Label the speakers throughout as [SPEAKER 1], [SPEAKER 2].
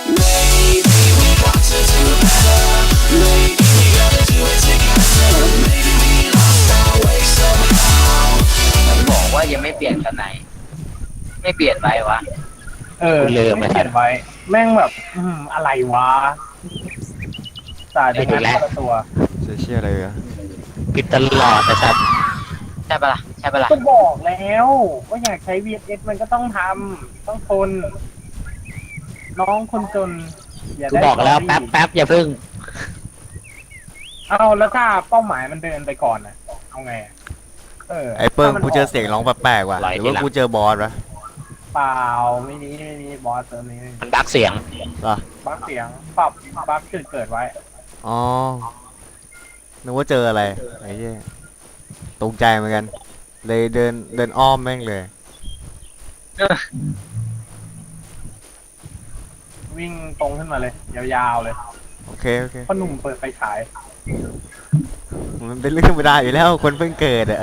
[SPEAKER 1] Maybe we got to do better. Maybe we gotta do it together. Maybe we lost our way somehow.
[SPEAKER 2] มันบอกว่ายังไม่เปลี่ยนกันไหนไม่เปลี่ยนไปวะ
[SPEAKER 3] คุณลืม
[SPEAKER 4] ไม่
[SPEAKER 3] ไป
[SPEAKER 4] เขียนไว้ แม่งแบบอะไรวะตายไปงั้นคนละตัว
[SPEAKER 5] จะเชื่ออะไรอะ
[SPEAKER 3] ผิดตลอดนะครับ
[SPEAKER 2] ใช่ปะล่ะใช่ปะล่ะ
[SPEAKER 4] ก็บอกแล้วว่าอยากใช้ VSS มันก็ต้องทำต้องทนน้องคนจนอย่า
[SPEAKER 3] กู
[SPEAKER 4] ได้
[SPEAKER 3] บอกแล้วแป๊บอย่าพึ่ง
[SPEAKER 4] เอาแล้วถ้าเป้าหมายมันเดินไปก่อนน่ะเอาไงอะ
[SPEAKER 5] ไอ้เปิ้ล
[SPEAKER 4] ถ้ามัน
[SPEAKER 5] กูเจอเสียงร้องแปลกๆว่ะ
[SPEAKER 3] ไหล
[SPEAKER 5] หรือ
[SPEAKER 3] ที
[SPEAKER 5] ว่า
[SPEAKER 3] หลัง
[SPEAKER 5] กูเจอบอสวะ
[SPEAKER 4] เปล่าไม่มีบอสเติมนี้
[SPEAKER 3] มันดักเสียง
[SPEAKER 5] เหรอ
[SPEAKER 4] บักเสียงปรับบักเกิดไว้
[SPEAKER 5] อ๋อนึกว่าเจออะไรไอ้เหี้ยตกใจเหมือนกันเลยเดินอ้อมแม่งเลย
[SPEAKER 4] วิ่งตรงขึ้นมาเลย ยาวๆเลย
[SPEAKER 5] โอเค
[SPEAKER 4] พ่อหนุ่มเปิดไฟฉาย
[SPEAKER 5] มันเป็นเรื่องธรรมดาอยู่แล้วคนเพิ่งเกิดอะ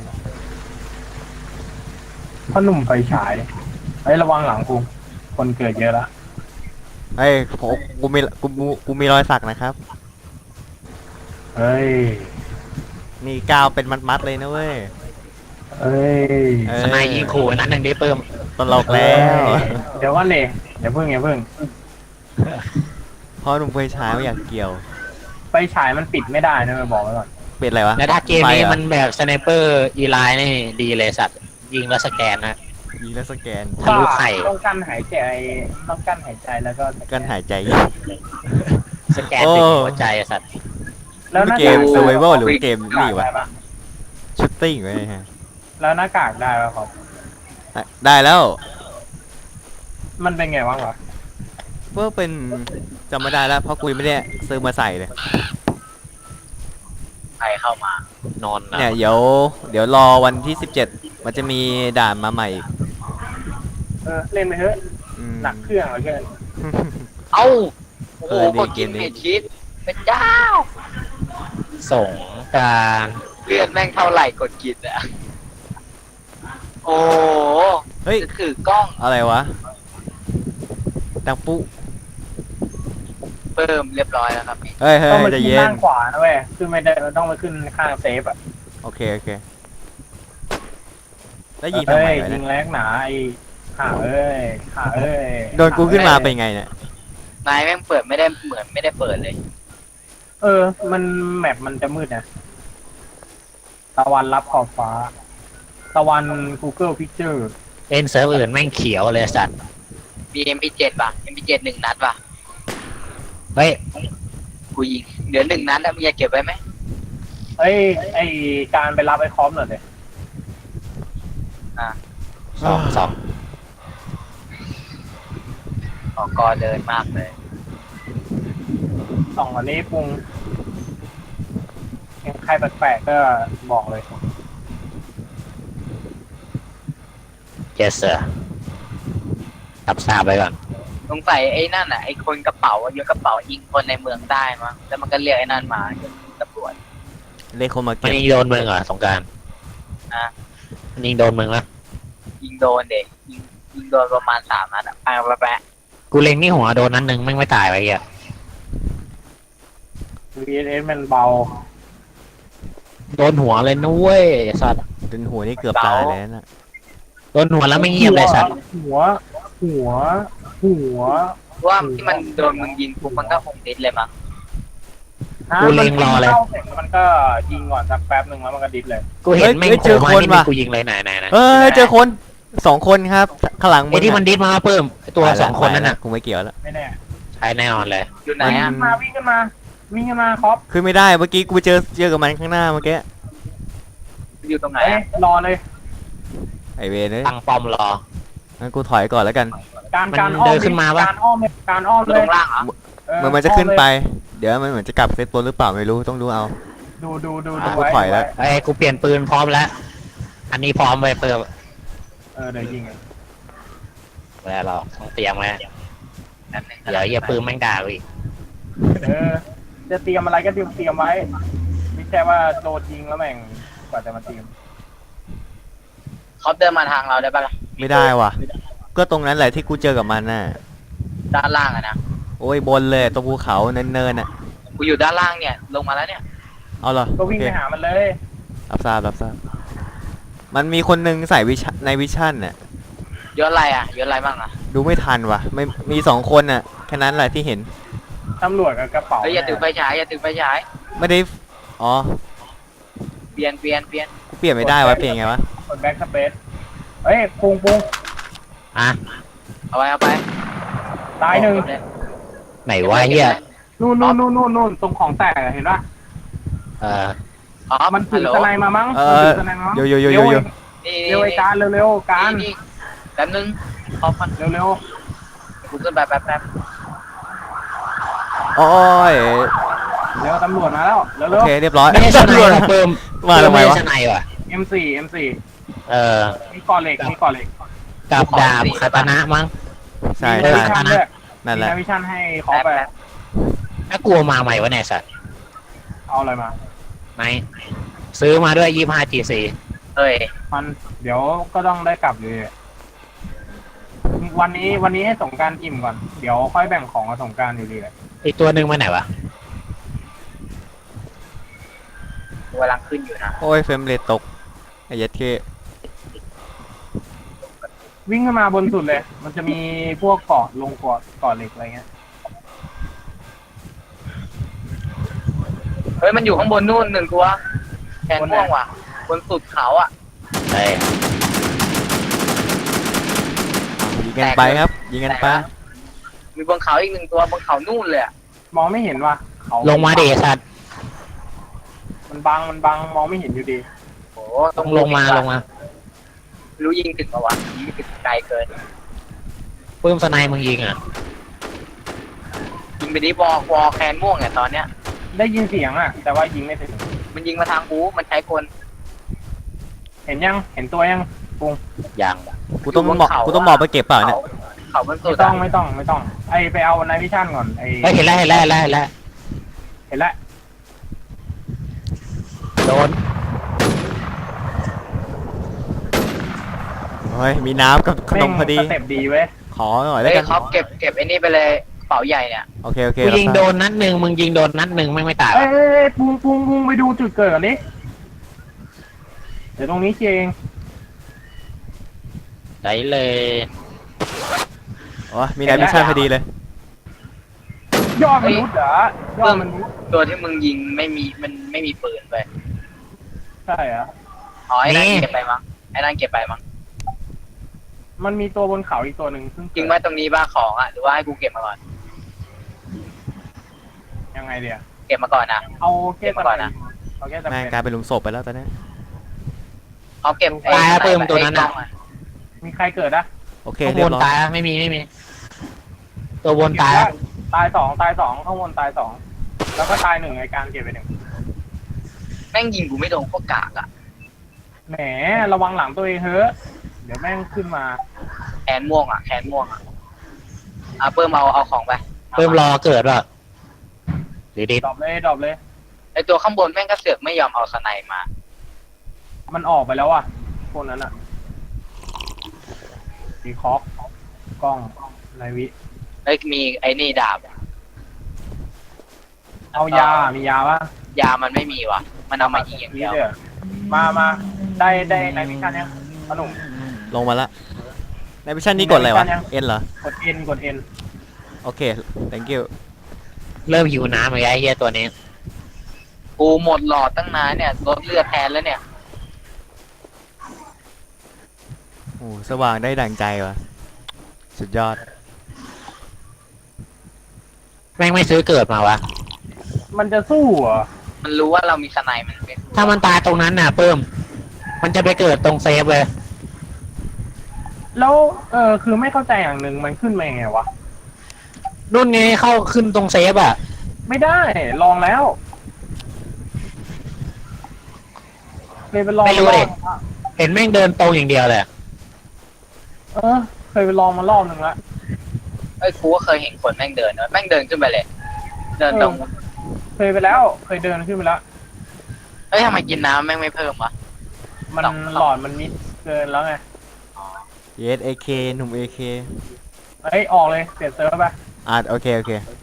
[SPEAKER 4] พ่อหนุ่มไฟฉายเฮ้ยระวังหลังกูคนเกิดเยอะละ
[SPEAKER 5] เฮ้ยผมกูมีรอยสักนะครับ
[SPEAKER 4] เฮ้ย
[SPEAKER 5] นี่กาวเป็นมัดๆเลยนะเว้ย
[SPEAKER 4] เฮ้ย
[SPEAKER 3] สนายยิงขู่อันนั้นหนึ่งได้เพิ่ม
[SPEAKER 5] ตลกแล้ว
[SPEAKER 4] เดี๋ยวก่อนเลยอย่าเพิ่ง
[SPEAKER 5] พอหนุ่มไฟฉายไม่อยากเกี่ยว
[SPEAKER 4] ไฟฉายมันปิดไม่ได้นะไปบอกไว้ก่อน
[SPEAKER 5] เป็นอะไรวะ
[SPEAKER 3] แล้วถ้าเกมนี้
[SPEAKER 5] ไฟหรอ
[SPEAKER 3] มันแบบสไนเปอร์อีไลน์นี่ดีเลยสัตว์ยิงแล้วสแกนนะ
[SPEAKER 5] ยิงแล้วสแกน
[SPEAKER 3] ทะลุไข่
[SPEAKER 4] ต้องกั้นหายใจแล้วก็สแ
[SPEAKER 5] กันหายใจ
[SPEAKER 3] สแกนถึงหัวใจอะสัตว์
[SPEAKER 4] แล้วหน้า
[SPEAKER 5] เก
[SPEAKER 4] กาก
[SPEAKER 5] ม survival หรือเกมนี่วะ
[SPEAKER 4] ได้ปะ
[SPEAKER 5] ชุดติ้งไว้ฮะ
[SPEAKER 4] แล้วหน้ากากได้ปะครับ
[SPEAKER 5] ได้แล้ว
[SPEAKER 4] มันเป็นไงบ้างวะ
[SPEAKER 5] เพื่อเป็นจำไม่ได้แล้วเพราะกูยังไม่ได้ซื้อมาใส่เลย
[SPEAKER 2] ใครเข้ามาน
[SPEAKER 3] อนนะ
[SPEAKER 5] เนี่ยเดี๋ยวรอวันที่17มันจะมีด่านมาใหม่อีก
[SPEAKER 4] เล่นไปเถอะ
[SPEAKER 5] อืม
[SPEAKER 4] หนักเครื่องเหลือเกิน
[SPEAKER 2] เอ้าโอ้โห
[SPEAKER 5] ดี
[SPEAKER 2] กดกิน
[SPEAKER 5] เกมนี้
[SPEAKER 2] เมทิสเป็นเจ้า
[SPEAKER 3] ส่งกราร
[SPEAKER 2] เลือดแม่งเท่าไหร่กดกินอะโอ้โห
[SPEAKER 5] เฮ้ย
[SPEAKER 2] คือกล้อง
[SPEAKER 5] อะไรวะดังปุ๊
[SPEAKER 2] เพิ่มเรียบร้อยแล้วครับพี่
[SPEAKER 5] เฮ้ยเฮ้
[SPEAKER 4] ต้อง
[SPEAKER 5] ย
[SPEAKER 4] ไป
[SPEAKER 5] ใจะ
[SPEAKER 4] ขึ้น
[SPEAKER 5] เย็น
[SPEAKER 4] ด้านขวานะเว้ยขึ้นไม่ได้ต้องไปขึ้นข้างเซฟอ่ะ
[SPEAKER 5] โอเคแล้วยิงทำไมวะ
[SPEAKER 4] ยิ
[SPEAKER 5] เนี่ย
[SPEAKER 4] งแรงหนาไอ้ข่าเอ้ย
[SPEAKER 5] โดนกูขึ้นมาเป็นไงเนี่ย
[SPEAKER 2] นายแม่งเปิดไม่ได้เหมือนไม่ได้เปิดเลย
[SPEAKER 4] มันแมปมันจะมืดนะตะวันรับขอบฟ้า ตะวัน Google Picture
[SPEAKER 3] เล่นเซิร์ฟอื่นแม่งเขียวเลยสัตว์
[SPEAKER 2] มี MP7 ป่ะ MP7 หนึ่งนัดป่ะ
[SPEAKER 3] เฮ้ย
[SPEAKER 2] กูยิงเหลือหนึ่งนัดแล้วมึงจะเก็บไว้ไหม
[SPEAKER 4] เอ้ยไอการไปรับไอ้คอมหน่อยเลย
[SPEAKER 3] สอง
[SPEAKER 2] ของกอเดินมากเลย
[SPEAKER 4] ส่องอันนี้ปรุงเห็นใครแปลกๆก็บอกเลย
[SPEAKER 3] เจสเซอร์ทับทราบไปก่อน
[SPEAKER 2] สงสัยไอ้นั่นอ่ะไอ้คนกระเป๋าอะยกกระเป๋ายิงคนในเมืองได้มั้งแล้วมันก็เรียกไอ้นั่นมาตำรวจ
[SPEAKER 5] เลขคนมา
[SPEAKER 3] มัน
[SPEAKER 5] เก็บ
[SPEAKER 3] ยิงโดนมึงเหรอสงกราร
[SPEAKER 2] อ่ะ
[SPEAKER 3] มันยิงโดนมึงแล้ว
[SPEAKER 2] ยิงโดนเด็กยิงโดนประมาณ3 นัดอ่ะแปะ
[SPEAKER 3] กูเล็งนี่หัวโดนนั้นหนึ่งแม่งไม่ตายไปเหี้ย
[SPEAKER 4] VSS มันเบา
[SPEAKER 3] โดนหัวเลยนุ้ยสัตว์
[SPEAKER 5] จนหัวนี่เกือบตายเลยนะ
[SPEAKER 3] โดนหัวแล้วไม่เงียบเลยสัตว์
[SPEAKER 4] หัว
[SPEAKER 2] ว่าที่มันโดนมึงยิงปุ๊บมันก็คงดิสเลยมั้ง
[SPEAKER 3] กูเล็งรอเลย
[SPEAKER 4] ข้าสร็จมันก็ยิงก่อนสักแป๊บหนึ่งแล้วมันก็ดิสเลย
[SPEAKER 3] กูเห็นแม่งโผล่มาที่มึงกูยิงเลยไหนนะ
[SPEAKER 5] เออเจอคน2 คนครับข้างหลัง
[SPEAKER 3] ไอ้ที่มันดิสมาเพิ่มไอ้ตัวสองคนนั่นน่ะ
[SPEAKER 5] กูไม่เกี่ยวแล้ว
[SPEAKER 4] ไม่แน่
[SPEAKER 3] ใช่แน่นอนเลย
[SPEAKER 2] อยู่ไหนอ่ะ
[SPEAKER 4] วิ่งขึ้นมาครับ
[SPEAKER 5] คือไม่ได้เมื่อกี้กูไปเจอกับมันข้างหน้าเมื่อกี้
[SPEAKER 2] อยู่ตรงไหน
[SPEAKER 4] เอ้ย
[SPEAKER 2] อะ
[SPEAKER 4] รอเลย
[SPEAKER 5] ไอเวนเลย
[SPEAKER 3] ตั้งป้อมรอ
[SPEAKER 5] งั้นกูถอยก่อนแล้วกัน
[SPEAKER 4] การ
[SPEAKER 3] มัน
[SPEAKER 4] การอ้อม
[SPEAKER 3] เดินขึ้นมาปะ
[SPEAKER 4] การอ้อมเลยการอ้อม
[SPEAKER 2] อยู่
[SPEAKER 4] เล
[SPEAKER 2] ต
[SPEAKER 4] ย
[SPEAKER 2] รงล่างเหรอ
[SPEAKER 5] มันจะขึ้นไป เดี๋ยวมันเหมือนจะกลับเซตตัวหรือเปล่าไม่รู้ต้องดูเอา
[SPEAKER 4] ดู
[SPEAKER 5] กูถอยแล้ว
[SPEAKER 3] ไอ้กูเปลี่ยนปืนพร้อมแล้ว อันนี้พร้อมไปเพิ่ม
[SPEAKER 4] เดี๋ยวยิง
[SPEAKER 3] แล้วเราต้องเตรียมไว้
[SPEAKER 2] นั่นหนึ่ง
[SPEAKER 3] เดี๋ยวเหี้ยปืนแม่งด่ากูอีก
[SPEAKER 4] จะเตรียมอะไรก็เตรียมไว้ไม่ใช่ว่าโดนยิงแล้วแม่งกว่าจะมาเตรียม
[SPEAKER 2] เขาเดินมาทางเราได้ปะล่ะ
[SPEAKER 5] ไม่ได้ว่ะ ก็ตรงนั้นแหละที่กูเจอกับมันน่ะ
[SPEAKER 2] ด้านล่างอะนะ
[SPEAKER 5] โอ้ยบนเลยตรงภูเขาเนินๆอ่ะ
[SPEAKER 2] กูอยู่ด้านล่างเนี่ยลงมาแล้วเนี่ย
[SPEAKER 5] เอาเหรอ
[SPEAKER 4] ก็วิ่ง
[SPEAKER 5] โอ
[SPEAKER 4] ไป
[SPEAKER 5] เค
[SPEAKER 4] หามันเลย
[SPEAKER 5] รับทราบมันมีคนหนึงใส่ในวิชั่นน่ะ
[SPEAKER 2] ยศอะไรอ่ะยศอะไรบ้างอ่ะ
[SPEAKER 5] ดูไม่ทันว่ะไม่มี2 คนน่ะแค่นั้นแหละที่เห็น
[SPEAKER 4] ตำรวจกับกระเป๋า
[SPEAKER 2] เฮ้ยอย่าถือไฟฉายอย่าถือไฟฉาย
[SPEAKER 5] ไม่ได้อ๋อ
[SPEAKER 2] เปลี่ยน
[SPEAKER 5] กูเปลี่ยนไม่ได้วะเปลี่ยนไงวะ
[SPEAKER 4] กดแบ็กสเปซเฮ้ยปุง
[SPEAKER 3] อ่ะ
[SPEAKER 2] เอาไป
[SPEAKER 4] ตายหนึ่ง
[SPEAKER 3] ไหนวะเฮีย
[SPEAKER 4] นู่นตรงของแตกอะเห็นปะ
[SPEAKER 3] เออ
[SPEAKER 2] อ๋อ
[SPEAKER 4] มันถื
[SPEAKER 2] ฮัล
[SPEAKER 4] อ
[SPEAKER 2] โหล
[SPEAKER 4] สไนด์มามั้ง
[SPEAKER 5] เอ
[SPEAKER 4] มัน
[SPEAKER 5] อ
[SPEAKER 4] ถือสไนด์มามั้ง
[SPEAKER 5] โย
[SPEAKER 4] เร็ว
[SPEAKER 2] นี่
[SPEAKER 4] เร็วไอ้การเร็วๆการ
[SPEAKER 2] นี่แป๊บนึงขอพัน
[SPEAKER 4] เร็ว
[SPEAKER 2] กูขึ้นไปแป๊บ
[SPEAKER 5] โอ้ย
[SPEAKER 4] ๆเร็วตำรวจมาแล้วเร็
[SPEAKER 5] โอ
[SPEAKER 4] ว
[SPEAKER 5] เคเรียบร้อย
[SPEAKER 3] ไม่ได้สไนด์ว่ะเพิ่ม
[SPEAKER 5] มาทำไมวะ
[SPEAKER 3] ไม่ได้สไนด์ว่ะ
[SPEAKER 4] ๆ M4
[SPEAKER 3] เออ
[SPEAKER 4] มีก่อเหล็ก
[SPEAKER 3] กับดาบคาตานะมั้ง
[SPEAKER 5] ใช่
[SPEAKER 4] มี
[SPEAKER 5] ใช่
[SPEAKER 4] นาวิชั่นด้วย
[SPEAKER 5] นั่น
[SPEAKER 4] มี
[SPEAKER 5] แหละ
[SPEAKER 4] นาวิชั่นให้ขอไป
[SPEAKER 3] ถ้ากลัวมาใหม่วะเนี่ยสัตว์
[SPEAKER 4] เอาอะไรมา
[SPEAKER 3] ไหนซื้อมาด้วย25G4
[SPEAKER 2] เฮ้ย
[SPEAKER 4] มันเดี๋ยวก็ต้องได้กลับเลยวันนี้ให้สงกรารอิ่มก่อนเดี๋ยวค่อยแบ่งของกับสงกรารอยู่ดีเลย
[SPEAKER 3] อีกตัวหนึ่งมาไหนวะ
[SPEAKER 2] กูกำลังขึ้นอยู่นะ
[SPEAKER 5] โอ้ยเฟรมเรทตกไอ้เหี้ยัดเค
[SPEAKER 4] วิ่งขึ้นมาบนสุดเลย มันจะมีพวกเกาะลงเกาะเหล็กอะไรเงี้ย
[SPEAKER 2] เฮ้ยมันอยู่ข้างบนนู่นหนึ่งตัวแขนม่วงว่ะบนสุดเขาอ่ะ
[SPEAKER 3] เฮ้ย
[SPEAKER 5] ยิงกันไปครับยิงกันไป
[SPEAKER 2] มีบนเขาอีกหนึ่งตัวบนเขานู่นเลยอะ
[SPEAKER 4] มองไม่เห็นว่ะเขา
[SPEAKER 3] ลงมาดิสัตว์
[SPEAKER 4] มันบังมองไม่เห็นอยู่ดี
[SPEAKER 2] โอ้
[SPEAKER 3] ต้องลงมา
[SPEAKER 2] รู้ยิงถึงปะวะยิงถึงไกลเกิน
[SPEAKER 3] เพิ่มสไนด์มึงยิงอ่ะ
[SPEAKER 2] ยิงไปดิวอลแคนม่วงเนี่ยตอนเนี้ย
[SPEAKER 4] ได้ยินเสียงอ่ะ แต่ว่ายิงไม่ถึง
[SPEAKER 2] มันยิงมาทางกูมันใช้คน
[SPEAKER 4] เห็นยังเห็นตัวยัง
[SPEAKER 3] ยัง
[SPEAKER 5] กูต้องบอกไปเก็บเปล่าเนี่ย
[SPEAKER 2] เขาบนสุ
[SPEAKER 4] ไม่
[SPEAKER 2] ด
[SPEAKER 4] ต้องไอไปเอาไนวิชั่นก่อนไอ
[SPEAKER 3] เฮ้ยเห็นแล้ว
[SPEAKER 4] เห็นแล้ว
[SPEAKER 3] โดน
[SPEAKER 5] เฮ้ยมีน้ำกับขนมพอดี
[SPEAKER 4] สเต็ปดีเว้ย
[SPEAKER 5] ขอหน่อย
[SPEAKER 2] เฮ้
[SPEAKER 5] แล้ว
[SPEAKER 2] ย
[SPEAKER 5] กัน
[SPEAKER 2] เขาเก็บไอ้นี่ไปเลยกระเป๋าใหญ่เนี่ย
[SPEAKER 5] โอเค
[SPEAKER 3] กูยิงโดนนัดหนึ่งมึงยิงโดนนัดหนึ่งไม่ตาย
[SPEAKER 4] เอ้ยปุงไปดูจุดเกิดก่อนดิเดี๋ยวตรงนี้เอง
[SPEAKER 3] ได้เลย
[SPEAKER 5] โอ้ยมีนายมิชชั่นพอดีเลย
[SPEAKER 4] ยอดมนุษย์เหรอยอดมนุษย์
[SPEAKER 2] ตัวที่มึงยิงมันไม่มีปืนไป
[SPEAKER 4] ใช่เหรอ
[SPEAKER 2] อ๋อไอ้นั่นเก็บไปมั้งไอ้นั่นเก็บไปมั้ง
[SPEAKER 4] มันมีตัวบนเขาอีกตัวหนึ่งซึ่ง
[SPEAKER 2] จริงไหมตรงนี้บ้าของอ่ะหรือว่าให้กูเก็บมาก่อน
[SPEAKER 4] ยังไงเดียว
[SPEAKER 2] เก็บมาก่อนนะ
[SPEAKER 4] เอาแค่
[SPEAKER 2] เก็บมาก่อนนะ
[SPEAKER 4] เอาแค่จำ
[SPEAKER 5] แม่ง
[SPEAKER 4] เป็น
[SPEAKER 5] กลายเป็นหลุมศพไปแล้วตอนนี้
[SPEAKER 2] เขาเก็บ
[SPEAKER 3] ตายเพิ่มตัวนั้น
[SPEAKER 2] อ่ะ
[SPEAKER 3] อ่ะ
[SPEAKER 4] มีใครเกิดนะ
[SPEAKER 5] โอเค
[SPEAKER 3] ข้าง
[SPEAKER 5] เรี
[SPEAKER 3] บ
[SPEAKER 5] ย
[SPEAKER 3] น
[SPEAKER 5] บร้อย
[SPEAKER 3] ตายไม่มีตัวบนตาย
[SPEAKER 4] ตายสองข้างบนตายสองแล้วก็ตายหนึ่งไอการเก็บไปหนึ่ง
[SPEAKER 2] แม่งยิงกูไม่โดนก็กากอ่ะ
[SPEAKER 4] แหมระวังหลังตัวเองเถอะเดี๋ยวแม่งขึ้นมา
[SPEAKER 2] แขนม่วงอ่ะเพิ่มเอาของไป
[SPEAKER 3] เพิ่มรอเกิดว่ะหรือดิ
[SPEAKER 4] ดรอปเลย
[SPEAKER 2] ไอตัวข้างบนแม่งก็เสือกไม่ยอมเอาสไนมา
[SPEAKER 4] มันออกไปแล้วอ่ะพวกนั้นอ่ะดีคอกกล้องนายวิ
[SPEAKER 2] เอ้ยมีไอ้นี่ดาบ
[SPEAKER 4] เอายามียาปะ
[SPEAKER 2] ยามันไม่มีว่ะ มันเอามายิงอย่างเดียว
[SPEAKER 4] นี่มาได้นายวิชันยังขนม
[SPEAKER 5] ลงมาละนายมิชชั่นนี้กดอะไรวะ
[SPEAKER 4] ยัง
[SPEAKER 5] เอ็นเหรอก
[SPEAKER 4] ดเอ็น
[SPEAKER 5] โอเค thank you
[SPEAKER 3] เริ่มหิวน้ำไอ้เหี้ยตัวนี้
[SPEAKER 2] กูหมดหลอดตั้งนานเนี่ยลดเลือดแทนแล้วเนี่ย
[SPEAKER 5] โอ้สว่างได้ดั่งใจว่ะสุดยอด
[SPEAKER 3] แม่งไม่ซื้อเกิดมาวะ
[SPEAKER 4] มันจะสู้เหรอ
[SPEAKER 2] มันรู้ว่าเรามีสไนมันเป็น
[SPEAKER 3] ถ้ามันตายตรงนั้นน่ะเพิ่มมันจะไปเกิดตรงเซฟเลย
[SPEAKER 4] แล้วคือไม่เข้าใจอย่างหนึ่งมันขึ้นมายังไงวะ
[SPEAKER 3] รุ่นนี้เข้าขึ้นตรงเซฟอ่ะ
[SPEAKER 4] ไม่ได้ลองแล้วเคยไปลอง
[SPEAKER 3] ไม่รู้ดิ
[SPEAKER 4] รอบ
[SPEAKER 3] เห็นแม่งเดินตรงอย่างเดียวเลย
[SPEAKER 4] เคยไปลองมารอบนึงละ
[SPEAKER 2] เอ้ยกูก็เคยเห็นคนแม่งเดินแม่งเดินขึ้นไปเลย เดินตรง
[SPEAKER 4] เคยไปแล้วเคยเดินขึ้นไปแล้ว
[SPEAKER 2] เอ้ยทำไมกินน้ำแม่งไม่เพิ่มวะ
[SPEAKER 4] มันหลอดมันมิดเกินแล้วไง
[SPEAKER 5] เยสเอเคหนุ่มเอเค
[SPEAKER 4] เอ้ยออกเลยเปลี่ยนเซิร์ฟไป
[SPEAKER 5] โอเค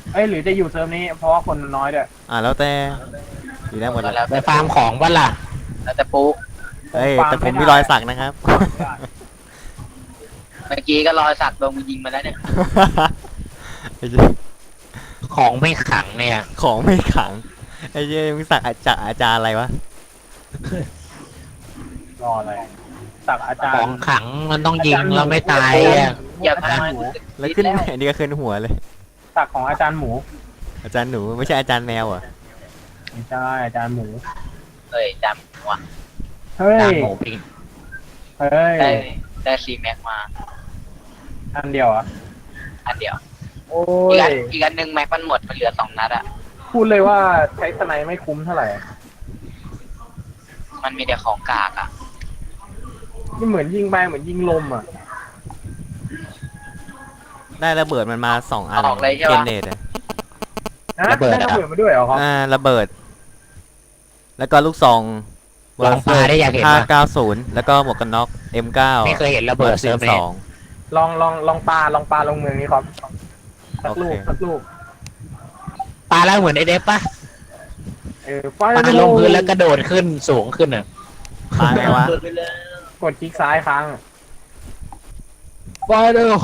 [SPEAKER 4] เอ้ยหรือจะอยู่เซิร์ฟนี้เพราะว่าคนน้อยด้วย
[SPEAKER 5] แล้วแต่อยู่ได้หมดเลย
[SPEAKER 2] แล้ว
[SPEAKER 3] ไปฟาร์มของบ้านล่ะ
[SPEAKER 2] แล้วแต่ปุ๊
[SPEAKER 5] เฮ้ยแต่ผมมีรอยสักนะครับ
[SPEAKER 2] เมื่อกี้ก็รอยสักโดนมึงยิงมาแล้วเนี่ย
[SPEAKER 5] ไอ้เหี้ย
[SPEAKER 3] ของไม่ขังเนี่ย
[SPEAKER 5] ของไม่ขังไอ้เหี้ยมึงสักจากอาจารย์อะไรวะ
[SPEAKER 4] รออะไรสักอาจาร
[SPEAKER 3] ของ
[SPEAKER 4] ย์
[SPEAKER 3] ขังมันต้องยิงแล้วไม่ตายอ่ะ
[SPEAKER 2] อย่าพา
[SPEAKER 5] แล้วขึ้นอันนี้ก็ขึ้นหัวเลย
[SPEAKER 4] สักของอาจารย์หมู
[SPEAKER 5] อาจารย์หนูไม่ใช่อาจารย์แมวเหรอ
[SPEAKER 4] ไม่ใช่อาจารย์หมู
[SPEAKER 2] เอ้ยจำว่ะ
[SPEAKER 4] เฮ้ย
[SPEAKER 3] จานหมูปิ้ง
[SPEAKER 4] เฮ้ย
[SPEAKER 2] ได้ซีแม็กมา
[SPEAKER 4] อันเดียวอ่ะ
[SPEAKER 2] อันเดียว
[SPEAKER 4] โอ้
[SPEAKER 2] อีกอันหนึ่งแม็กมันหมดมันเหลือ2 นัดอะ
[SPEAKER 4] พูดเลยว่าใช้สไนไม่คุ้มเท่าไหร่
[SPEAKER 2] มันมีแต่ของกากอะ
[SPEAKER 4] นี่เหมือนยิงไปเหมือนยิงลมอ่ะ
[SPEAKER 5] ได้ระเบิดมันมา2 อัน
[SPEAKER 2] ออกเลยใช่
[SPEAKER 5] เก
[SPEAKER 2] ปะ
[SPEAKER 5] นเนตอะ
[SPEAKER 4] ฮะได้ระเบิดมาด้วยเหรอครับ
[SPEAKER 5] ระเบิด แล้วก็ลูกซอง
[SPEAKER 3] ลองปลาได้อยากเห็นปะ
[SPEAKER 5] 590แล้วก็หมวกกันน็อก M9
[SPEAKER 3] ไม่เคยเห็นระเบิดเซิร์ฟนี้
[SPEAKER 5] 2
[SPEAKER 4] ลองปลาลงเมืองนี้ครับสักลูก
[SPEAKER 5] โอเค
[SPEAKER 4] สักลูก
[SPEAKER 3] ปลาแล้วเหมือนไอเดฟปะ
[SPEAKER 4] ไฟ
[SPEAKER 3] ปลาลงพื้นแล้วกระโดดขึ้นสูงขึ้นอ่ะ
[SPEAKER 5] ตายไงวะ
[SPEAKER 4] กดคลิกซ้ายค้าง
[SPEAKER 3] ฟาเดอร์โฮ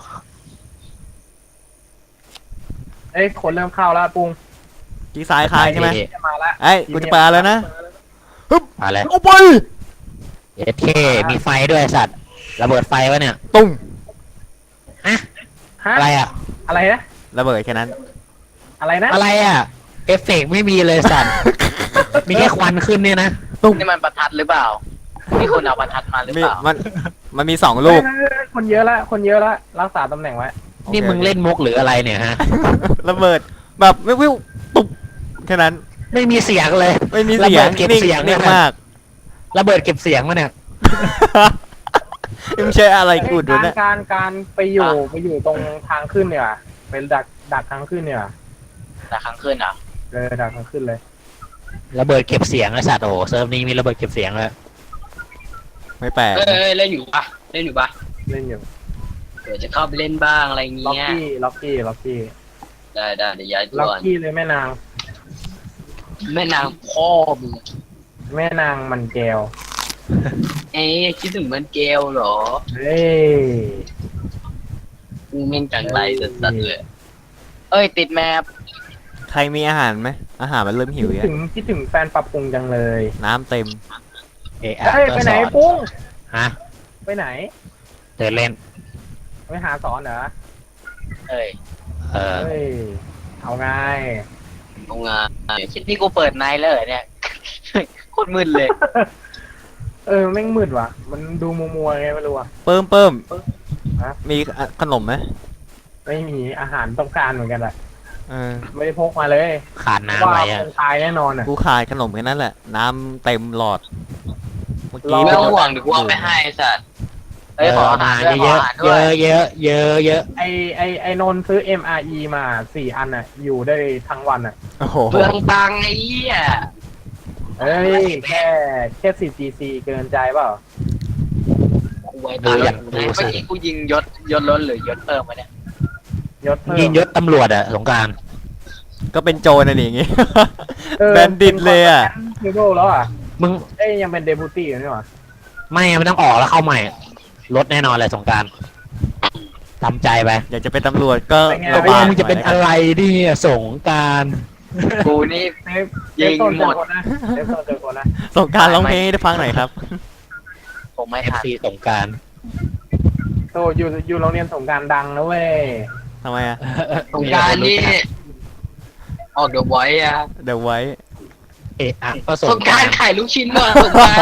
[SPEAKER 4] คนเริ่มเข้าแล้วปุ้ง
[SPEAKER 5] กี้ซ้ายคายใช่ไหม
[SPEAKER 4] จะมาแล้ว
[SPEAKER 5] ไอ้ยกูจะปาแล้วนะ
[SPEAKER 3] มาแล้ว
[SPEAKER 5] เอาไป
[SPEAKER 3] เอเคมีไฟด้วยสัตว์ระเบิดไฟวะเนี่ย
[SPEAKER 5] ตุ้ม
[SPEAKER 4] ฮะ
[SPEAKER 3] อะไรอ่ะ
[SPEAKER 4] อะไรนะ
[SPEAKER 5] ระเบิดแค่นั้น
[SPEAKER 4] อะไรนะ
[SPEAKER 3] อะไรอ่ะเอฟเฟกต์ไม่มีเลยสัตว์มีแค่ควันขึ้นเนี่ยนะ
[SPEAKER 2] นี่มันประทัดหรือเปล่ามีคนเอาประทัดมาหรือ
[SPEAKER 5] มี
[SPEAKER 2] เปล่า
[SPEAKER 5] มันมี2 ลูก
[SPEAKER 4] คนเยอะละรักษาตำแหน่งไว้
[SPEAKER 3] นี่มึงเล่นมุกหรืออะไรเนี่ยฮะ
[SPEAKER 5] ระเบิดแบบวิวตุ๊บแค่นั้น
[SPEAKER 3] ไม่มีเสียงเลย
[SPEAKER 5] ไม่มีเสียง
[SPEAKER 3] ระเบิดเก็บเสียง
[SPEAKER 5] นิ่ง
[SPEAKER 3] เนี่ย
[SPEAKER 5] มาก
[SPEAKER 3] ระเบิดเก็บเสียงมาเนี่ย
[SPEAKER 5] นี่มันใช่อะไรกูดวะเนี่ย
[SPEAKER 4] การไปอยู่ตรงทางขึ้นเนี่ยเป็นดักทางขึ้นเนี่ย
[SPEAKER 2] แต่ครั้งขึ้นเหรอ
[SPEAKER 4] ดักทางขึ้นเลย
[SPEAKER 3] ระเบิดเก็บเสียงไอ้สัตว์โอ้โหเซิร์ฟนี้มีระเบิดเก็บเสียงเลย
[SPEAKER 5] ไม่แปลก
[SPEAKER 6] เอ้ยเล่นอยู่ปะเล่นอยู่ปะ
[SPEAKER 4] เล่นอยู่
[SPEAKER 6] เดี๋ยวจะเข้าไปเล่นบ้างอะไร
[SPEAKER 4] ล็อก
[SPEAKER 6] เงี้ย
[SPEAKER 4] กี้
[SPEAKER 6] ได้เดี๋ยวย้ายตั
[SPEAKER 4] ล็อก
[SPEAKER 6] ว
[SPEAKER 4] กี้เลยแม่นาง
[SPEAKER 6] แม่นางพ่อมึง
[SPEAKER 4] แม่นางมันแก้ว
[SPEAKER 6] เอ๊ะคิดถึงมันเกลเหรอ
[SPEAKER 4] เฮ้ย
[SPEAKER 6] มึงแม่งจังไรสัสๆเลย
[SPEAKER 2] เอ้ยติดแมป
[SPEAKER 5] ใครมีอาหารไหมอาหารมันเริ่มหิว
[SPEAKER 4] คิดถึงแฟนปรับปรุงจังเลย
[SPEAKER 5] น้ำเต็ม
[SPEAKER 3] เอะ
[SPEAKER 4] เฮ้ยไปไหนปุ้ง
[SPEAKER 3] ฮะ
[SPEAKER 4] ไปไหน
[SPEAKER 3] เดินเล่น
[SPEAKER 4] ไปหาสอนเหรอ
[SPEAKER 2] เอ้ย
[SPEAKER 3] เออ
[SPEAKER 4] เฮ้ยเอาไง
[SPEAKER 6] โรงงาน
[SPEAKER 2] คิดนี่กูเปิดไนท์เลยเหรอเนี่ย โคตรมึนเลย
[SPEAKER 4] แม่งมืดว่ะ มันดูมัวๆไงไม่รู้อ่ะ
[SPEAKER 5] เพิ่ม
[SPEAKER 4] ฮะ
[SPEAKER 5] มีขนมไหม
[SPEAKER 4] ไม่มีอาหารต้องการเหมือนกันแหละ
[SPEAKER 5] เออ
[SPEAKER 4] ไม่ได้พกมาเลย
[SPEAKER 3] ขาดน้ำ
[SPEAKER 4] ว่า
[SPEAKER 3] ไว้
[SPEAKER 4] ค
[SPEAKER 3] อะ
[SPEAKER 4] งตายแน่นอนอ่ะ
[SPEAKER 5] กูขาดขนมแค่นั้นแหละ น้ำเต็มหลอดเมื่อ
[SPEAKER 4] รอ
[SPEAKER 6] ไม่
[SPEAKER 5] กี้
[SPEAKER 6] ต้องห่วงเดี๋ยวกูเอาไปให้สัตว์
[SPEAKER 2] เอ้ยขออาหารด้วยข
[SPEAKER 3] เย
[SPEAKER 2] อ
[SPEAKER 3] อะ
[SPEAKER 2] อาหาร
[SPEAKER 3] เย
[SPEAKER 2] ด้วย
[SPEAKER 3] อะเยอะเยอะเยอะ
[SPEAKER 4] ไอนนท์ซื้อ MRE มา4 อันอ่ะ อยู่ได้ทั้งวันอ่ะ
[SPEAKER 5] โอ้โห
[SPEAKER 6] เปลืองตังค์ไอ้เหี้ย
[SPEAKER 4] เฮ้ย แค่10 cc เกินใจเปล่า
[SPEAKER 6] กูไว้
[SPEAKER 3] ดู
[SPEAKER 6] ตัง
[SPEAKER 3] อย่าง
[SPEAKER 6] ค์
[SPEAKER 3] ดู
[SPEAKER 2] เมื่อ
[SPEAKER 3] สิ
[SPEAKER 2] กี้กูยิงยศล้นหรือยศเพิ่มมาเนี่ย
[SPEAKER 4] ยศเพิ่ม
[SPEAKER 3] ยิงยศตำรวจอะสงกราร
[SPEAKER 5] ก็เป็นโจรน่ะนี่อย่างงี้
[SPEAKER 4] เออ
[SPEAKER 5] แบนดิตเลยอ่ะ
[SPEAKER 4] เทเบิลแล้วอ่ะ
[SPEAKER 3] มึง
[SPEAKER 4] ยังเป็นเดบูตี้อยู่นี่หว่า
[SPEAKER 3] ไม่มันต้องออกแล้วเข้าใหม่ลดแน่นอนเลยสงกรารทำใจไป
[SPEAKER 5] อยากจะเป็นตำรวจก็
[SPEAKER 4] เป็นไง
[SPEAKER 5] ลำ
[SPEAKER 3] ไม่
[SPEAKER 5] บาก
[SPEAKER 3] มึงจะเป็นอะไรดิสงกราร
[SPEAKER 2] กูนี่ ยิงหมด
[SPEAKER 4] เซฟโซนเจอคนนะ
[SPEAKER 5] ส่งกรารร้องเพลงให้ได้ฟังหน่อยครับ
[SPEAKER 2] ผมไม่
[SPEAKER 3] เอฟ
[SPEAKER 2] ทัน
[SPEAKER 3] ซีสงกราร
[SPEAKER 4] โตอยู่โรงเรียนสงกรารดังนะเว้ย
[SPEAKER 5] ทำไมอ่ะ
[SPEAKER 6] สงกรารนี่ออกเดี๋ยวไว้อะ
[SPEAKER 5] เดี๋ยวไว้
[SPEAKER 3] เอะอะก็
[SPEAKER 6] ส
[SPEAKER 3] ส
[SPEAKER 6] ง
[SPEAKER 3] ง
[SPEAKER 6] ก
[SPEAKER 3] ก
[SPEAKER 6] ราร
[SPEAKER 3] าร
[SPEAKER 6] ขายลูกชิ้นมาสงกราร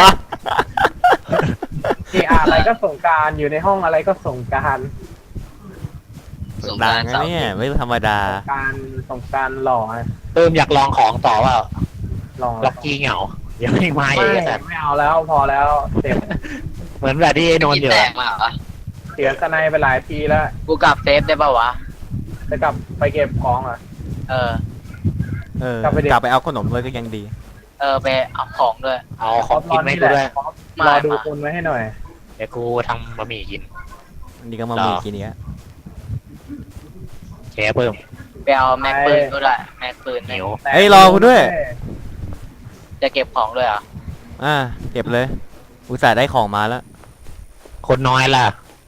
[SPEAKER 4] อะไรก็สงกรารอยู่ในห้องอะไรก็สงกราร
[SPEAKER 6] สงก
[SPEAKER 5] ดั
[SPEAKER 6] ราง ร
[SPEAKER 5] นะ
[SPEAKER 6] เสาร์
[SPEAKER 5] เนี่ยไม่ธรรมดา
[SPEAKER 4] สงกรารหล่อนะ
[SPEAKER 3] เติมอยากลองของต่อว่า
[SPEAKER 4] หล่อ
[SPEAKER 3] ล็อกกี้เหงาเดี๋ยวไม่มา
[SPEAKER 4] ไม่
[SPEAKER 3] อีกแต่
[SPEAKER 4] ไม่เอาแล้วพอแล้วเจ็บ
[SPEAKER 3] เหมือนแบบที่ไอ้นนท์อยู่
[SPEAKER 6] แต
[SPEAKER 3] อะ
[SPEAKER 6] กมาเหรอ
[SPEAKER 4] เสียสไนไปหลายทีแล้ว
[SPEAKER 2] กูกลับเซฟได้ป่าวะ
[SPEAKER 4] จะกลับไปเก็บของอ่ะ
[SPEAKER 2] เออ
[SPEAKER 4] กลับไปดิ
[SPEAKER 5] กลับไปเอาขนมเลยก็ยังดี
[SPEAKER 2] ไปเอาของด้วย
[SPEAKER 3] เอาของกินไหมกูด้วย
[SPEAKER 4] รอดูคนไว้ให้หน่อย
[SPEAKER 3] เดี๋ยวกูทำบะหมี่กิน
[SPEAKER 5] อันนี้ก็มามีกินเนี้ย
[SPEAKER 3] แชร์เพิ่ม
[SPEAKER 2] ไปเอาแม็กปืนก็ได้แม็กปืน
[SPEAKER 3] เหนียว
[SPEAKER 5] เฮ้ยรอกูด้วย
[SPEAKER 2] จะเก็บของด้วยเหรอ
[SPEAKER 5] เก็บเลย อุตส่าห์ได้ของมาแล้ว
[SPEAKER 3] คนน้อยล่ะ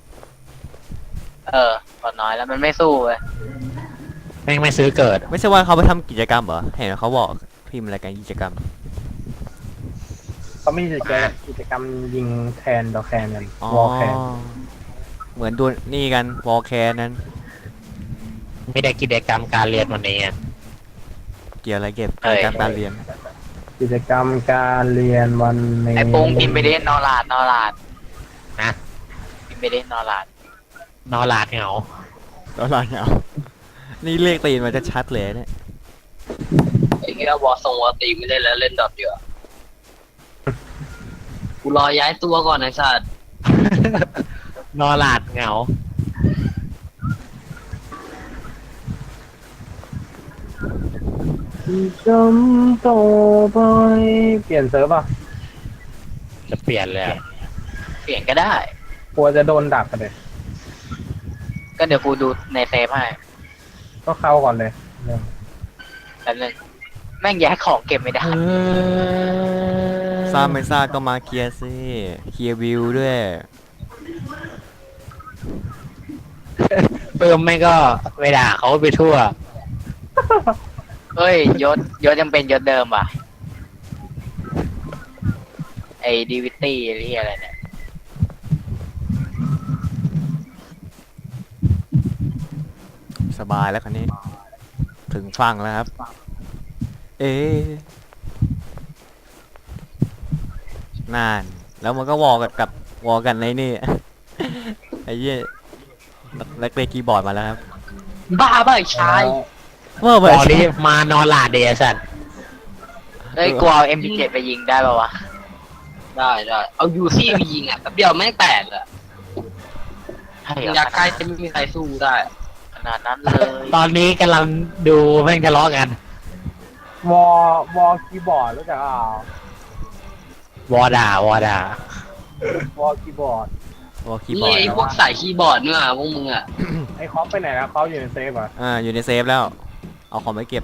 [SPEAKER 2] ก่อนน้อยแล้วมันไม่สู้เลย
[SPEAKER 3] แม่งไม่ซื้อเกิด
[SPEAKER 5] ไม่ใช่ว่าเขาไปทำกิจกรรมเหรอ เห็นเขาบอกพิมพ์อะไรกันกิจกรรม
[SPEAKER 4] เขามีกิจกรรมยิงแทนดอกแคนกัน
[SPEAKER 5] อ๋อ
[SPEAKER 4] วอลแคน
[SPEAKER 5] เหมือนดูนี่กันวอลแคนนั้น
[SPEAKER 3] ไม่ได้กิจกรรมการเรียนวันนี้อะ
[SPEAKER 5] เกี่ยวอะไรเก็บกิจกรรมการเรียน
[SPEAKER 4] กิจกรรมการเรียนวันนี้
[SPEAKER 2] ไอ้โป้งพิมพ์ไปเล่นนอลาด
[SPEAKER 3] นะ
[SPEAKER 2] พิมพ์ไปเล่นนอลาด
[SPEAKER 3] นอนหลาดเหงา
[SPEAKER 5] แล้วเราเนี่ยนี่เลขตีนมันจะชัดเลยเนี่ย
[SPEAKER 6] ไอ้เงี้ยวอวอตีไม่เล่นแล้วเล่นดอทเดียวากูรอย้ายตัวก่อนไอ้สัตว์
[SPEAKER 3] นอนหลาดเหงา
[SPEAKER 4] จำต่อไปเปลี่ยนเซิร์ฟอ่ะ
[SPEAKER 3] จะเปลี่ยนเลยอะ
[SPEAKER 2] เปลี่ยนก็ได้
[SPEAKER 4] กลัวจะโดนดักกันเลย
[SPEAKER 2] ก็เดี๋ยวกูดูในเซฟให้
[SPEAKER 4] ก็เข้าก่อนเลยเรื่อง
[SPEAKER 2] แป๊บนึงแม่งย้ายของเก็บไม่ได้
[SPEAKER 5] ทราบไม่ทราบก็มาเคลียร์สิเคลียร์วิวด้วย
[SPEAKER 3] เพิ่มไม่ก็เวลาเขาไปทั่ว
[SPEAKER 2] เฮ้ยยศยังเป็นยศเดิมว่ะไอ้ดีวิตี้ที่อะไรเนี่ย
[SPEAKER 5] สบายแล้วคันนี้ ถึงฝั่งแล้วครับ เอ๊ะนาน แล้วมันก็วอลกับวอลกันในนี่ ไอ้เหี้ยนักเล่นคีย์บอร์ดมาแล้วครับ
[SPEAKER 2] บ้าไอ้ชาย
[SPEAKER 5] ว่าไป
[SPEAKER 3] ตอนนี้มานอนหลาดเดียสัน
[SPEAKER 2] เฮ้ยกูเอา MP7 ไปยิงได้ป่าวะ
[SPEAKER 6] ได้เอายูซี่ไปยิงอ่ะแป๊บเดียวแม่งแตกอ่ะ
[SPEAKER 2] ให้
[SPEAKER 6] ยิงยาใกล้จะไม่มีใครสู้ได้
[SPEAKER 2] ขนาดนั้นเลย
[SPEAKER 3] ตอนนี้กำลังดูแม่งทะเลาะกัน
[SPEAKER 4] วอลคีย์บอร์ดรู้จักเปล่าว
[SPEAKER 3] อด่า
[SPEAKER 4] วอลคีย์บอร์ด
[SPEAKER 5] วอลคีย์บอ
[SPEAKER 6] นี่
[SPEAKER 5] ร์ด
[SPEAKER 6] ไอ้พวกสายคีย์บอร์ดเนี่ยพวกมึงอ่ะ
[SPEAKER 4] ไอ้คอปไปไหนแล้วเขาอยู่ในเซฟเหรอ่ะ
[SPEAKER 5] อยู่ในเซฟแล้ว เอาของไปเก็บ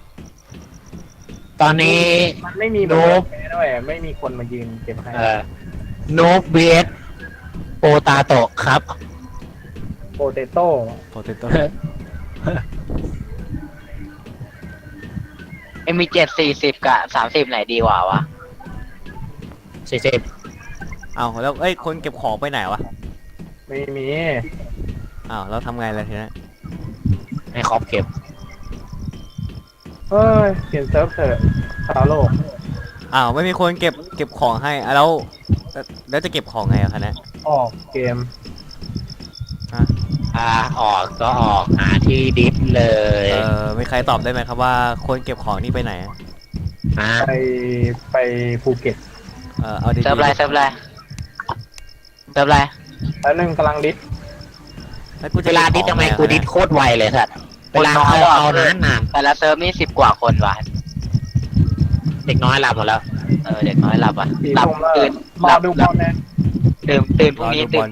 [SPEAKER 3] ตอนนี้
[SPEAKER 4] มันไม่มี
[SPEAKER 3] โน้ต
[SPEAKER 4] แพ้ด้วยไม่มีคนมายืนเก็บให้
[SPEAKER 3] โนบเบสโปตาโตะครับ
[SPEAKER 4] โปเตโต้
[SPEAKER 5] โปเตโต้
[SPEAKER 2] MP7 40กับ30ไหนดีกว่าวะ
[SPEAKER 3] 40
[SPEAKER 5] เอาแล้วเอ้ยคนเก็บของไปไหนวะ
[SPEAKER 4] ไม่มี
[SPEAKER 5] อ้าวแล้วทำไงล่ะทีนี้
[SPEAKER 3] ให้ครอบเก็บ
[SPEAKER 4] เฮ้ยเปลี่ยนเซิร์ฟเถอะชาวโลก
[SPEAKER 5] อ้าวไม่มีคนเก็บของให้แล้วจะเก็บของไงอะคะเนี่ย
[SPEAKER 4] ออกเกม
[SPEAKER 3] ออกก็ออกหาที่ดิฟเลย
[SPEAKER 5] มีใครตอบได้ไหมครับว่าคนเก็บของนี่ไปไหนอะ
[SPEAKER 3] ฮะ
[SPEAKER 4] ไปภูเก็ต
[SPEAKER 5] เอาดีๆ
[SPEAKER 2] เซิร์ฟอะไรเซิร์ฟอะไรเซิร์ฟอะไร
[SPEAKER 4] แล้วนึงกำลังดิส
[SPEAKER 5] แล้วกูจะ
[SPEAKER 3] เวลาดิฟทำไมกูดิฟโคตรไวเลยสัตว์เวลาเอานาน
[SPEAKER 2] แต่ละเซิร์ฟนี่10 กว่าคนว่ะ
[SPEAKER 3] ๆเด็กน้อยหลับหมดแล้ว
[SPEAKER 2] เด็กน้อยหลับอ่ะ
[SPEAKER 4] สี่
[SPEAKER 2] หลับ
[SPEAKER 4] ทุ่มแล้ว
[SPEAKER 2] ตื่น
[SPEAKER 4] ร
[SPEAKER 2] ห
[SPEAKER 4] อ
[SPEAKER 2] ลับ
[SPEAKER 4] ดูบ
[SPEAKER 2] หลั
[SPEAKER 4] อบ ลนะ
[SPEAKER 2] ตื่นพรุ่งนี้
[SPEAKER 5] รอดูบ
[SPEAKER 2] ตื่
[SPEAKER 5] อน ล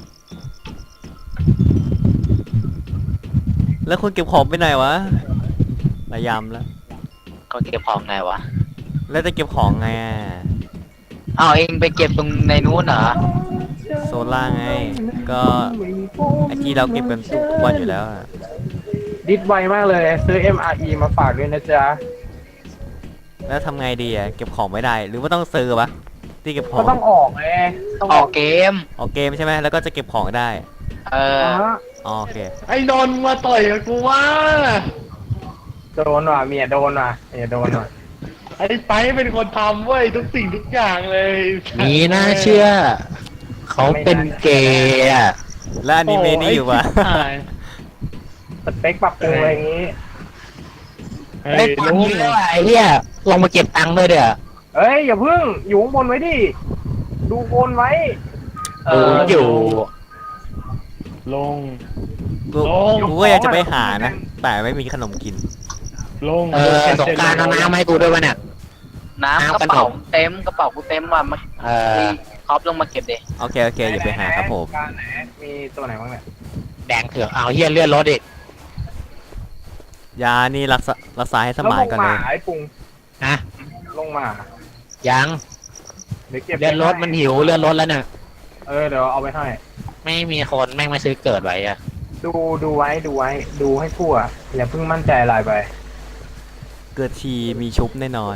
[SPEAKER 5] แล้วคนเก็บของไปไหนวะระยำแล้ว
[SPEAKER 2] ก็เก็บของไงวะ
[SPEAKER 5] แล้วจะเก็บของไงอะ
[SPEAKER 2] อ้าวเองไปเก็บตรงในนู้นเหรอ
[SPEAKER 5] โซล่าไง ก็ไอที่เราเก็บกันทุกวันอยู่แล้วอะ
[SPEAKER 4] ดิสไวมากเลย ซื้อ MRE มาฝากด้วยนะจ๊ะ
[SPEAKER 5] แล้วทำไงดีอะเก็บของไม่ได้ หรือว่าต้องซื้อปะที่เก็บขอ
[SPEAKER 4] ก็
[SPEAKER 5] ง
[SPEAKER 4] ต้องออกไงต้อง
[SPEAKER 2] ออกเกม
[SPEAKER 5] ออกเกมใช่ไหมแล้วก็จะเก็บของได้
[SPEAKER 2] เออ
[SPEAKER 4] ฮะ
[SPEAKER 5] อ๋อโอเค
[SPEAKER 3] ไอ้นนมาต่อยกับกูว่า
[SPEAKER 4] โดนว่ะเมียโดนว่ะเมียโดนว่ะ
[SPEAKER 7] ไอ้ไปเป็นคนทำเว้ยทุกสิ่งทุกอย่างเลย
[SPEAKER 3] มีน่าเชื่อ เขาเป็นเกย์อะ
[SPEAKER 5] แล้วอนิเมะนี่อยู่ปะ
[SPEAKER 4] สเปคปรับปรุงอะไรอย่างงี้
[SPEAKER 7] ไอ้
[SPEAKER 3] ไอ้ตอน
[SPEAKER 7] ลุง
[SPEAKER 3] นี้ไอ้เหี้ยลงมาเก็บตังค์ด้วยเด้อ
[SPEAKER 4] เอ้ยอย่าพึ่งอยู่ข้างบนไว้ดิ ดูบนไว้
[SPEAKER 3] อยู่
[SPEAKER 7] ลง
[SPEAKER 5] กู
[SPEAKER 7] โอ้
[SPEAKER 5] กูก็อยากจะไปหานะ แต่ไม่มีขนมกิน
[SPEAKER 7] ลง
[SPEAKER 3] สงกรารเอาน้ำให้กูด้วยวะเนี่ย
[SPEAKER 2] น้ำ
[SPEAKER 3] น้ำ
[SPEAKER 2] กระเป๋า
[SPEAKER 3] ขนม
[SPEAKER 2] เต็มกระเป๋ากูเต็มว่ะมา ครอปลงมาเก็บดิ
[SPEAKER 5] โอเคอย่าไปหาครับผม
[SPEAKER 4] การไหนมีตัวไหนบ้างเนี่ย
[SPEAKER 3] แดงเถือกเอาเหี้ยเลื่อนรถอีก
[SPEAKER 5] ยานี่รักษาให้ส
[SPEAKER 4] แล้ว
[SPEAKER 5] มาน
[SPEAKER 4] ลง
[SPEAKER 5] ก่อน
[SPEAKER 4] มา
[SPEAKER 5] เลย
[SPEAKER 4] ไอ้ปุง
[SPEAKER 3] นะ
[SPEAKER 4] ลงมา
[SPEAKER 3] ยัง
[SPEAKER 4] เดี๋ยวเก็บ
[SPEAKER 3] เลื่อนรถมันหิวเลื่อนรถแล้วเนี่ย
[SPEAKER 4] เดี๋ยวเอาไปให้
[SPEAKER 3] ไม่มีคนแม่งไม่ซื้อเกิดไว้อะ
[SPEAKER 4] ดูไว้ดูให้ทั่วอย่าเพิ่งมั่นใจอะไรไป
[SPEAKER 5] เกิดทีมีชุบแน่นอน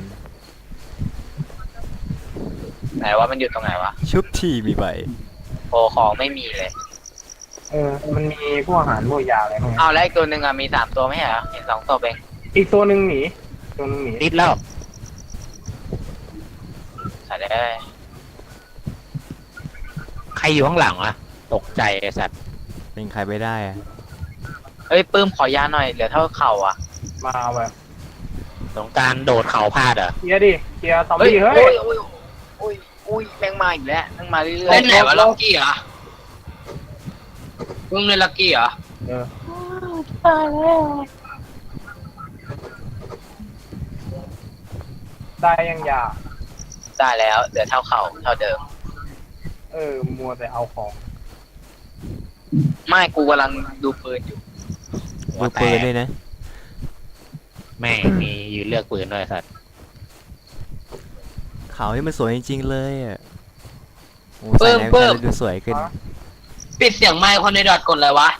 [SPEAKER 2] ไหนว่ามันอยู่ตรงไหนวะ
[SPEAKER 5] ชุบทีมีใบ
[SPEAKER 2] โอ้ของไม่มีเลย
[SPEAKER 4] มันมีพวกอาหารพวกยาอะไรพวกนี้
[SPEAKER 2] เอาแล้วอีกตัวหนึ่งอะมี3ตัวไม่ใช่เหรอเห็น2ตัวเอง
[SPEAKER 4] อีกตัวหนึ่งหนี
[SPEAKER 3] ติดแล้ว
[SPEAKER 2] ใส่ได้
[SPEAKER 3] ใครอยู่ข้างหลังวะตกใจไอ้สัตว์
[SPEAKER 5] เป็นใครไปได้อะ
[SPEAKER 2] เอ้ยปื้มขอยาหน่อยเหลือเท่าเข่าอ่ะ
[SPEAKER 4] มาเอาไป
[SPEAKER 3] สงกรารโดดเขาพลาดเหรอ
[SPEAKER 4] เคลียร์ดิเคลียร์ซอม
[SPEAKER 2] เฮ้ย
[SPEAKER 4] บี้เฮ้
[SPEAKER 2] โอ้
[SPEAKER 4] ย
[SPEAKER 2] ยโอ้ยโอ้ยโอ้ยแม่งมาอีกแล้วแม่งมาเรื่อย
[SPEAKER 6] เล่นไหนวะล็อกกี้เหรอมึงเล่นล็อกกี้เหรอ
[SPEAKER 4] ได้ยังยา
[SPEAKER 2] ๆได้แล้วเหลือเท่าเข่าเท่าเดิม
[SPEAKER 4] มัวแต่เอาของ
[SPEAKER 2] ไม่กูกำลังดูปืนอยู่
[SPEAKER 5] ดูปืนด้วยนะ
[SPEAKER 3] แม่งมียืนเลือกปืนด้วยไอ้สัตว์
[SPEAKER 5] ขาวที่มันสวยจริงๆเลยอ่ะโอ้ใส่ในแว่นแล้วดูสวยขึ้น
[SPEAKER 6] ปิดเสียงไมค์คนในดอทกดอะไรวะ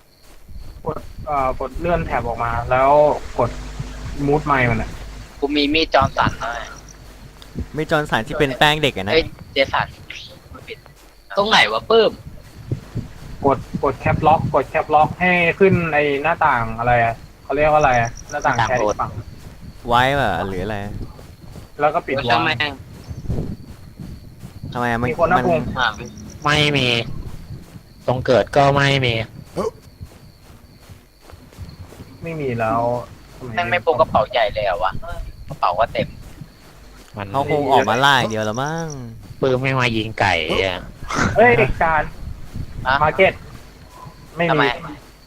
[SPEAKER 4] กดเลื่อนแถบออกมา แล้วกดมูดไมค์มันอ่ะ
[SPEAKER 2] กูมีมีดจอร์นสันหน่อย
[SPEAKER 5] ไม่จอนสารที่เป็นแป้งเด็กอะนะ
[SPEAKER 2] เอ้ยเจสันไม่ปิด
[SPEAKER 6] ตรงไหนวะปื้ม
[SPEAKER 4] กดแคปล็อกให้ขึ้นไอ้หน้าต่างอะไรอะเขาเรียกว่าอะไรอะหน้าต่างแชร์อีกฝั่ง
[SPEAKER 5] ไว้ป่ะหรืออะไร
[SPEAKER 4] แล้วก็ปิด
[SPEAKER 6] ว่า
[SPEAKER 4] วา
[SPEAKER 6] ทำไม
[SPEAKER 4] ง
[SPEAKER 5] ทำไมอะมัน
[SPEAKER 4] มีคนนะ
[SPEAKER 5] มัน
[SPEAKER 4] พุง
[SPEAKER 6] อ่า
[SPEAKER 3] ไม่มี ตรงเกิดก็ไม่มี
[SPEAKER 4] ไม่มีแล้วทำ
[SPEAKER 2] แม่งไม่พกกระเป๋าใหญ่เลยเหรอวะกระเป๋าก็เต็ม
[SPEAKER 3] มัน
[SPEAKER 5] เขาคงออกมาล่าอย่างเดียวแล้วมั้ง
[SPEAKER 3] ปืนไม่มายิงไก่อะ
[SPEAKER 4] เฮ้ยการ
[SPEAKER 2] อะ
[SPEAKER 4] มาร์เก็ตไม่
[SPEAKER 2] ทำไม
[SPEAKER 4] มี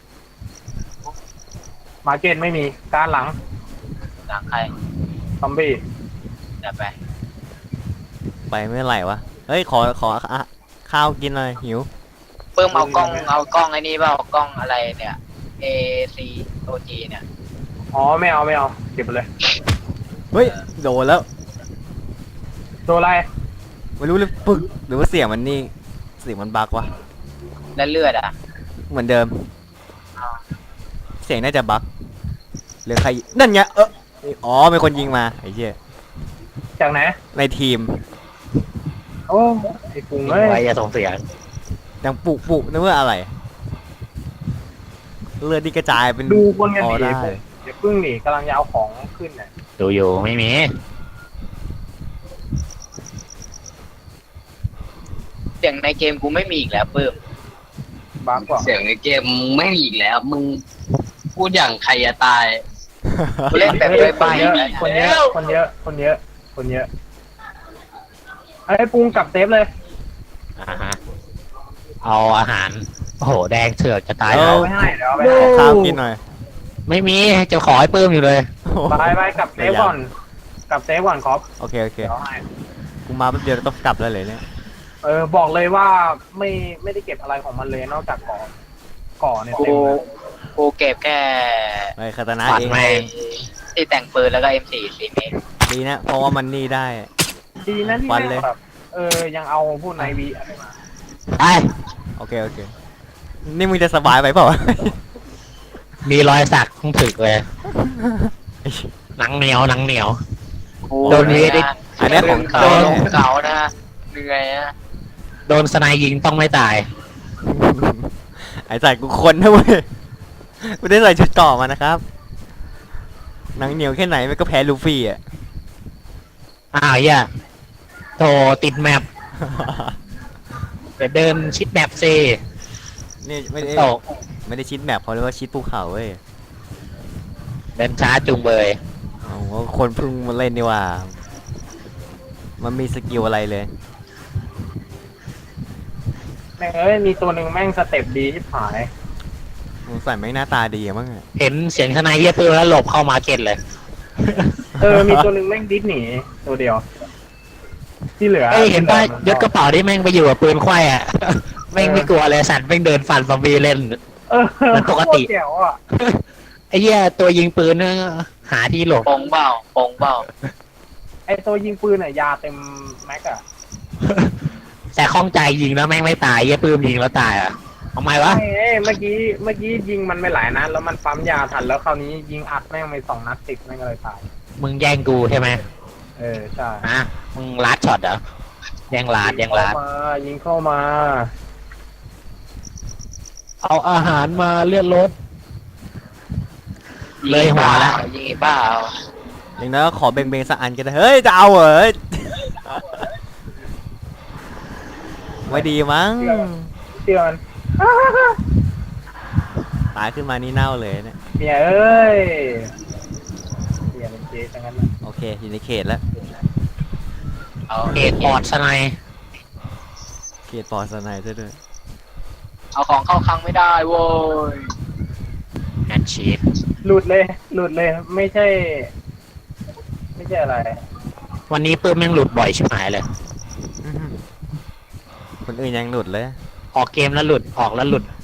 [SPEAKER 4] มาร์เก็ตไม่มีการหลัง
[SPEAKER 2] หลังใคร
[SPEAKER 4] ซอมบี้
[SPEAKER 2] เดี๋ยวไป
[SPEAKER 5] ไปเมื่อไหร่วะเฮ้ยขออะข้าวกินหน่อยหิว
[SPEAKER 2] ปื้มเอากล้องไอ้นี่เปล่ากล้องอะไรเนี่ย AC OG เนี่ย
[SPEAKER 4] อ๋อไม่เอาเก็บไปเลย
[SPEAKER 5] เฮ้ยโดนแล้ว
[SPEAKER 4] ตัวอะไร
[SPEAKER 5] ไม่รู้เลยปึกหรือว่าเสียงมันนี่เสียงมันบักวะ
[SPEAKER 2] แล้วเลือดอ่ะ
[SPEAKER 5] เหมือนเดิม
[SPEAKER 2] อ้าว
[SPEAKER 5] เสียงน่าจะบักหรือใครนั่นไงอ๋อเป็นคนยิงมาไอ้เหี้ย
[SPEAKER 4] จากไหน
[SPEAKER 5] ในทีม
[SPEAKER 4] โอ้ไอ้ปุง
[SPEAKER 3] ยิง
[SPEAKER 4] เอ้ย
[SPEAKER 3] ไว้อย่าส่งเสียง
[SPEAKER 5] ดังปุนึกว่าอะไรเลือดที่กระจายเป็น
[SPEAKER 4] ดูคนกัน
[SPEAKER 5] อ๋อ
[SPEAKER 4] ดี
[SPEAKER 5] ได้
[SPEAKER 4] ปุงเดี๋ยวพึ่งหนีกำลังจะเอาของขึ้นเนี่ย
[SPEAKER 3] ดูอยู่ไม่มี
[SPEAKER 2] เสียงในเกมกูไม่มีอีกแล้วปื้ม
[SPEAKER 4] บ้ากว่า
[SPEAKER 6] เสียงในเกมมึงไม่มีอีกแล้ว มึงพูดอย่างใครจะตาย
[SPEAKER 2] กูเล่นแบบ
[SPEAKER 4] เฮ้ย
[SPEAKER 2] ไป
[SPEAKER 4] คนเยอะคนเยอะไอ้ปุงกลับเซฟเลย
[SPEAKER 3] อ่าฮะ เอาอาหาร โอ้โห แดงเถือกจะตาย
[SPEAKER 5] เอ
[SPEAKER 3] แล้ว
[SPEAKER 4] เอาไปให้เดี๋ยวเอาไป
[SPEAKER 5] ขอ
[SPEAKER 4] ให้
[SPEAKER 5] ข้าวกินหน่อย
[SPEAKER 3] ไม่มี จะขอให้ปื้มอยู่เลย
[SPEAKER 4] ไปกลับเซฟก่อนกลับเซฟก่อนครับ
[SPEAKER 5] โอเค
[SPEAKER 4] เดี๋ยวให้
[SPEAKER 5] กูมาแป๊บเดียวต้องกลับแล้วเลยเนี่ย
[SPEAKER 4] บอกเลยว่าไม่ได้เก็บอะไรของมันเลยนอกจากก่อเนี่ย
[SPEAKER 2] กู
[SPEAKER 4] เต็มเลย
[SPEAKER 2] กูเก็บแค่
[SPEAKER 5] ไอ้คาตานะ
[SPEAKER 3] ปัด
[SPEAKER 5] เอง
[SPEAKER 3] แม่ง
[SPEAKER 2] ที่แต่งปืนแล้วก็ M4 4เมตร
[SPEAKER 5] ดีนะเพราะว่ามันนี่ได้
[SPEAKER 4] ดีนะที่
[SPEAKER 5] วัน
[SPEAKER 4] แม่
[SPEAKER 5] เลย
[SPEAKER 4] งแบบยังเอาพวกไนวีอะไรมา
[SPEAKER 3] ไป
[SPEAKER 5] โอเคนี่มึงจะสบายไปเปล่าวะ
[SPEAKER 3] มีรอยสักต้องถึกเลย หนังเหนียว
[SPEAKER 2] กู
[SPEAKER 3] โดนนี้ดิ
[SPEAKER 5] อันเนี้ยของ
[SPEAKER 2] เขา
[SPEAKER 5] เขา
[SPEAKER 2] ของเขานะเหนื่อยนะ
[SPEAKER 3] โดนสไนยิงต้องไม่ตาย
[SPEAKER 5] ไอ้ใส่กูคนนะเว้ยไม่ได้ใส่ชุดเกราะมานะครับหนังเหนียวแค่ไหนมันก็แพ้ลูฟี่อ่ะ
[SPEAKER 3] อ้าวอย่าโถติดแมปเดี๋ยวเดินชิดแมปซิ
[SPEAKER 5] นี่ไม่ได้
[SPEAKER 3] ตก
[SPEAKER 5] ไม่ได้ชิดแมปเขาเรียกว่าชิดภูเขาเว้ย
[SPEAKER 3] เดินช้าจุงเบย
[SPEAKER 5] โอ้โหคนเพิ่งมาเล่นนี่ว่า มันมีสกิลอะไรเลย
[SPEAKER 4] แม่งมีตัวหนึ่งแม่งสเต็ปดีที่หาย
[SPEAKER 5] มึงใส่ไม่งหน้าตาดีอะมั้งอะ
[SPEAKER 3] เห็นเสียงทนายเยียปืนแล้วหลบเข้ามาร์เก็ตเลย
[SPEAKER 4] มีตัวหนึ่งแม่งดิสหนีตัวเดียว ที่เหลือ
[SPEAKER 3] เอ้ยเห็นป่ะยศกระเป๋าที่แม่งไปอยู่กับปืนควายอ่ะ แม่งไม่กลัวเลยสัตว์แม่งเดินฟันซอมบี้เล่น
[SPEAKER 4] เออ
[SPEAKER 3] มันปกติ
[SPEAKER 4] โคตรแจ๋วอ่ะ
[SPEAKER 3] ไอ้เหี้ยตัวยิงปืนเนี่ยหาที่หลบ
[SPEAKER 2] โปงเบ้าโปงเบ้า
[SPEAKER 4] ไอตัวยิงปืนอ่ะยาเต็มแม็กอะ
[SPEAKER 3] แต่ข้องใจยิงแล้วแม่งไม่ตายเหี้ยปืนยิงแล้วตายอ่ะทำไมวะ
[SPEAKER 4] เมื่อกี้ยิงมันไม่หลายนัดแล้วมันปั๊มยาทันแล้วคราวนี้ยิงอัดแม่งไป2 นัดติดแม่งก็เลยตาย
[SPEAKER 3] มึงแย่งกูใช่ไหม
[SPEAKER 4] ใช่
[SPEAKER 3] ฮะมึงลัดช็อตเหรอแย่งลัด
[SPEAKER 4] ยิงเข้ามา
[SPEAKER 3] เอาอาหารมาเลือดรถ เลยหัวละ
[SPEAKER 2] ยิงไอ้บ้าเอา
[SPEAKER 5] อย่างนั้นก็ขอเบงๆสักอันก็ได้เฮ้ยจะเอาเหรอไม่ดีมั้ง
[SPEAKER 4] เชื่อมัน
[SPEAKER 5] ตายขึ้นมานี่เน่าเลยเนี่ย
[SPEAKER 4] เมียเอ้ยเมียเป็นเจ๊ทั้งนั้นน่ะ
[SPEAKER 5] โอเคอยู่ในเขตแล้ว
[SPEAKER 2] เอา
[SPEAKER 3] เอกปอดสไนด์
[SPEAKER 5] เขตปลอดสนายซะด้วย
[SPEAKER 2] เอาของเข้าคลังไม่ได้โว้ย
[SPEAKER 3] แอนชีฟ
[SPEAKER 4] หลุดเลยไม่ใช่อะไร
[SPEAKER 3] วันนี้ปืนแม่งหลุดบ่อยชิบหายเลย
[SPEAKER 5] คนอื่นยังหลุดเลย
[SPEAKER 3] ออกเกมแล้วหลุดออกแล้วหลุด